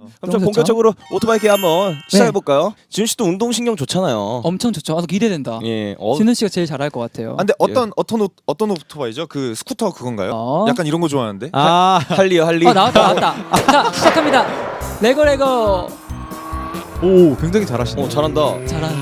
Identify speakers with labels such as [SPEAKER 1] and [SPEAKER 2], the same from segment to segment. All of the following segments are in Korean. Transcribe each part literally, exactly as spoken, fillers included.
[SPEAKER 1] 그럼 좀 본격적으로 오토바이 게 한번 시작해 볼까요? 네. 지훈 씨도 운동 신경 좋잖아요.
[SPEAKER 2] 엄청 좋죠. 아, 기대된다.
[SPEAKER 1] 예. 어.
[SPEAKER 2] 진훈 씨가 제일 잘할 것 같아요.
[SPEAKER 3] 아, 근데 어떤 예. 어떤 오, 어떤 오토바이죠? 그 스쿠터 그건가요?
[SPEAKER 2] 어?
[SPEAKER 3] 약간 이런 거 좋아하는데.
[SPEAKER 1] 아, 할리요, 할리.
[SPEAKER 2] 어, 나왔다, 나왔다. 자, 시작합니다. 레고 레고.
[SPEAKER 4] 오, 굉장히 잘하시네.
[SPEAKER 1] 어, 잘한다.
[SPEAKER 2] 잘하는.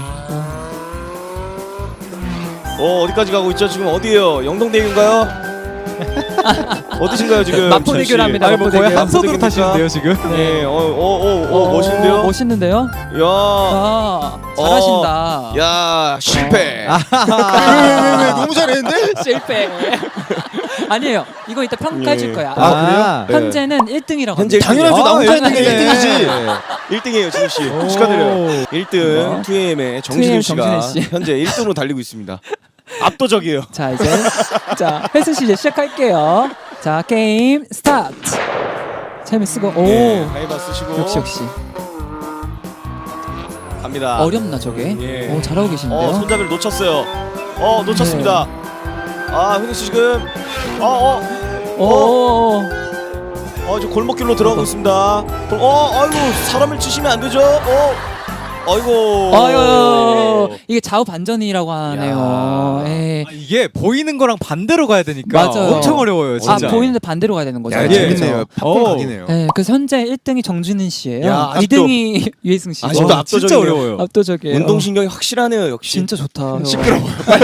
[SPEAKER 1] 어, 어디까지 가고 있죠? 지금 어디예요? 영동대교인가요? 어디신가요 지금?
[SPEAKER 2] 마포대교를 합니다.
[SPEAKER 4] 아니 뭐 거의
[SPEAKER 2] 마포대교.
[SPEAKER 4] 한 손으로 타시는데요 지금?
[SPEAKER 1] 네, 어, 어, 어, 어, 멋있는데요?
[SPEAKER 2] 멋있는데요?
[SPEAKER 1] 야,
[SPEAKER 2] 아, 잘하신다.
[SPEAKER 1] 야, 실패.
[SPEAKER 2] 어.
[SPEAKER 3] 왜왜왜 너무 잘했는데?
[SPEAKER 2] 실패. 아니에요. 이거 이따 평가해줄
[SPEAKER 1] 예.
[SPEAKER 2] 거야.
[SPEAKER 4] 아,
[SPEAKER 1] 그래요?
[SPEAKER 2] 현재는 일 등이라고.
[SPEAKER 1] 현재
[SPEAKER 3] 당연하죠. 나 혼자 있는 게
[SPEAKER 4] 일 등이네.
[SPEAKER 3] 일 등이지.
[SPEAKER 1] 일 등이에요, 지훈 씨.
[SPEAKER 4] 오.
[SPEAKER 1] 축하드려요. 일 등
[SPEAKER 2] 어.
[SPEAKER 1] 투에이엠의 정진우 씨가
[SPEAKER 2] 정진우 씨.
[SPEAKER 1] 현재 일 등으로 달리고 있습니다. 압도적이에요.
[SPEAKER 2] 자 이제 자 혜승 씨 이제 시작할게요. 자 게임 스타트. 재미 쓰고 오
[SPEAKER 1] 예, 하이바 쓰시고
[SPEAKER 2] 역시 역시
[SPEAKER 1] 갑니다.
[SPEAKER 2] 어렵나 저게?
[SPEAKER 1] 예.
[SPEAKER 2] 오 잘하고 계신데요.
[SPEAKER 1] 어, 손잡이를 놓쳤어요. 어, 놓쳤습니다. 아, 훈이 씨 지금 어, 어,
[SPEAKER 2] 오.
[SPEAKER 1] 어, 저 골목길로 들어가고 있습니다. 골- 어, 아이고, 사람을 치시면 안 되죠. 어, 아이고.
[SPEAKER 2] 아유 이게 좌우 반전이라고 하네요.
[SPEAKER 1] 야.
[SPEAKER 2] 예.
[SPEAKER 4] 아, 이게 보이는 거랑 반대로 가야 되니까
[SPEAKER 2] 맞아요.
[SPEAKER 4] 엄청 어려워요
[SPEAKER 2] 아
[SPEAKER 4] 진짜.
[SPEAKER 2] 보이는데 반대로 가야 되는 거죠.
[SPEAKER 3] 야,
[SPEAKER 4] 예.
[SPEAKER 3] 재밌네요. 팝콘
[SPEAKER 4] 오.
[SPEAKER 3] 각이네요.
[SPEAKER 2] 네, 그래서 현재 일 등이 정준은 씨예요.
[SPEAKER 1] 야,
[SPEAKER 2] 이 등이 유혜승 씨.
[SPEAKER 1] 아직도
[SPEAKER 4] 와, 진짜
[SPEAKER 1] 압도적이네요.
[SPEAKER 4] 어려워요.
[SPEAKER 2] 압도적이에요.
[SPEAKER 1] 운동 신경이 확실하네요, 역시.
[SPEAKER 2] 진짜 좋다.
[SPEAKER 3] 시끄러워요.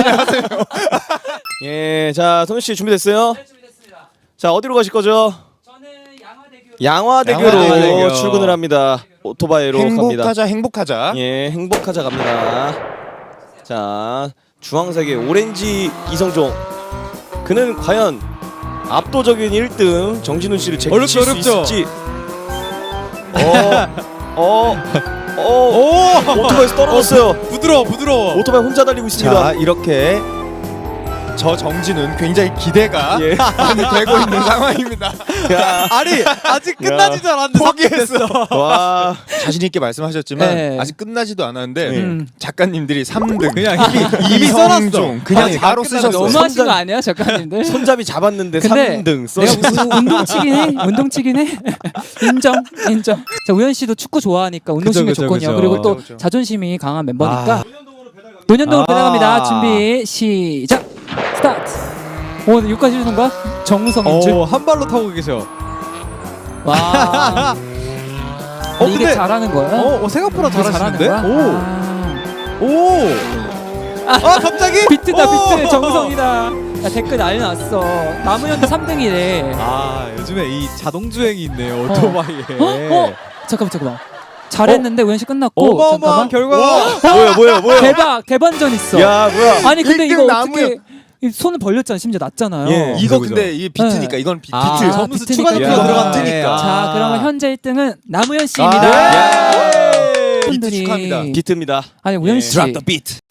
[SPEAKER 1] 예, 자, 선우 씨 준비됐어요?
[SPEAKER 2] 네, 준비됐습니다.
[SPEAKER 1] 자, 어디로 가실 거죠?
[SPEAKER 2] 저는 양화대교.
[SPEAKER 1] 양화대교로
[SPEAKER 3] 양화대교.
[SPEAKER 1] 출근을 합니다. 오토바이로 갑니다.
[SPEAKER 3] 행복하자 행복하자.
[SPEAKER 1] 예, 행복하자 갑니다. 자, 주황색의 오렌지 이성종. 그는 과연 압도적인 일 등 정진훈 씨를 제칠
[SPEAKER 4] 어렵죠,
[SPEAKER 1] 수
[SPEAKER 4] 어렵죠.
[SPEAKER 1] 있을지. 어, 어, 어,
[SPEAKER 4] 오!
[SPEAKER 1] 오토바이에서 떨어졌어요.
[SPEAKER 4] 부드러워 부드러워.
[SPEAKER 1] 오토바이 혼자 달리고 있습니다.
[SPEAKER 3] 자 이렇게 저 정진은 굉장히 기대가
[SPEAKER 1] 예.
[SPEAKER 3] 많이 되고 있는 상황입니다.
[SPEAKER 1] 야,
[SPEAKER 4] 아니 아직 끝나지도 않았는데
[SPEAKER 3] 포기했어.
[SPEAKER 1] 와,
[SPEAKER 3] 자신 있게 말씀하셨지만
[SPEAKER 2] 네.
[SPEAKER 3] 아직 끝나지도 않았는데
[SPEAKER 1] 네.
[SPEAKER 2] 음.
[SPEAKER 3] 작가님들이 삼 등
[SPEAKER 4] 그냥 이미 이미 써놨어.
[SPEAKER 3] 이성종 그냥
[SPEAKER 4] 아니,
[SPEAKER 3] 바로
[SPEAKER 4] 다
[SPEAKER 3] 쓰셨어요.
[SPEAKER 4] 끝나고
[SPEAKER 2] 너무 하신
[SPEAKER 1] 손잡이-
[SPEAKER 2] 거 아니야 작가님들?
[SPEAKER 1] 손잡이 잡았는데
[SPEAKER 2] 근데
[SPEAKER 1] 삼 등. 써.
[SPEAKER 2] 내가 무슨 운동치긴 해? 운동치긴 해? 인정, 인정. 자 우현 씨도 축구 좋아하니까 운동신경
[SPEAKER 4] 그죠, 그죠,
[SPEAKER 2] 좋거든요.
[SPEAKER 4] 그죠.
[SPEAKER 2] 그리고 또
[SPEAKER 3] 그죠.
[SPEAKER 2] 자존심이 강한 멤버니까
[SPEAKER 4] 아.
[SPEAKER 2] 논현동으로
[SPEAKER 4] 아.
[SPEAKER 2] 배달갑니다. 준비 시작. 스타트. 오 여기까지 주는 거야? 정우성인 줄.
[SPEAKER 4] 오, 한 발로 타고 계셔.
[SPEAKER 2] 와.
[SPEAKER 4] 어,
[SPEAKER 2] 이게
[SPEAKER 4] 근데-
[SPEAKER 2] 잘하는 거야?
[SPEAKER 4] 어, 어 생각보다
[SPEAKER 2] 이게
[SPEAKER 4] 잘하시는데?
[SPEAKER 2] 잘하는
[SPEAKER 4] 오.
[SPEAKER 2] 거야? 아.
[SPEAKER 4] 오. 아 갑자기?
[SPEAKER 2] 비트다
[SPEAKER 4] 오.
[SPEAKER 2] 비트 정우성이다. 야, 댓글 난리 났어. 남우현도 삼 등이래.
[SPEAKER 4] 아 요즘에 이 자동 주행이 있네요 오토바이에.
[SPEAKER 2] 어? 어? 잠깐만 잠깐만. 잘했는데 우현 씨 끝났고.
[SPEAKER 4] 어마어마한
[SPEAKER 2] 잠깐만.
[SPEAKER 4] 결과.
[SPEAKER 1] 뭐야, 뭐야, 뭐야.
[SPEAKER 2] 대박 대반전 있어.
[SPEAKER 1] 야, 뭐야.
[SPEAKER 2] 아니 근데
[SPEAKER 3] 일 등
[SPEAKER 2] 이거
[SPEAKER 3] 남우현.
[SPEAKER 2] 어떻게 이 손을 벌렸잖아. 심지어 났잖아요.
[SPEAKER 1] 예.
[SPEAKER 3] 이거
[SPEAKER 4] 그죠,
[SPEAKER 3] 근데 이게 비트니까
[SPEAKER 2] 네.
[SPEAKER 3] 이건 비,
[SPEAKER 4] 아,
[SPEAKER 3] 비트.
[SPEAKER 4] 점수
[SPEAKER 2] 비트니까.
[SPEAKER 4] 추가
[SPEAKER 1] 야.
[SPEAKER 4] 들어간
[SPEAKER 3] 뜨니까.
[SPEAKER 2] 자 그러면 현재 일 등은 남우현
[SPEAKER 3] 아,
[SPEAKER 2] 씨입니다.
[SPEAKER 3] 예.
[SPEAKER 2] 분들이
[SPEAKER 3] 비트 축하합니다.
[SPEAKER 1] 비트입니다.
[SPEAKER 2] 아니 우현
[SPEAKER 1] 예.
[SPEAKER 2] 씨.
[SPEAKER 1] Drop the beat.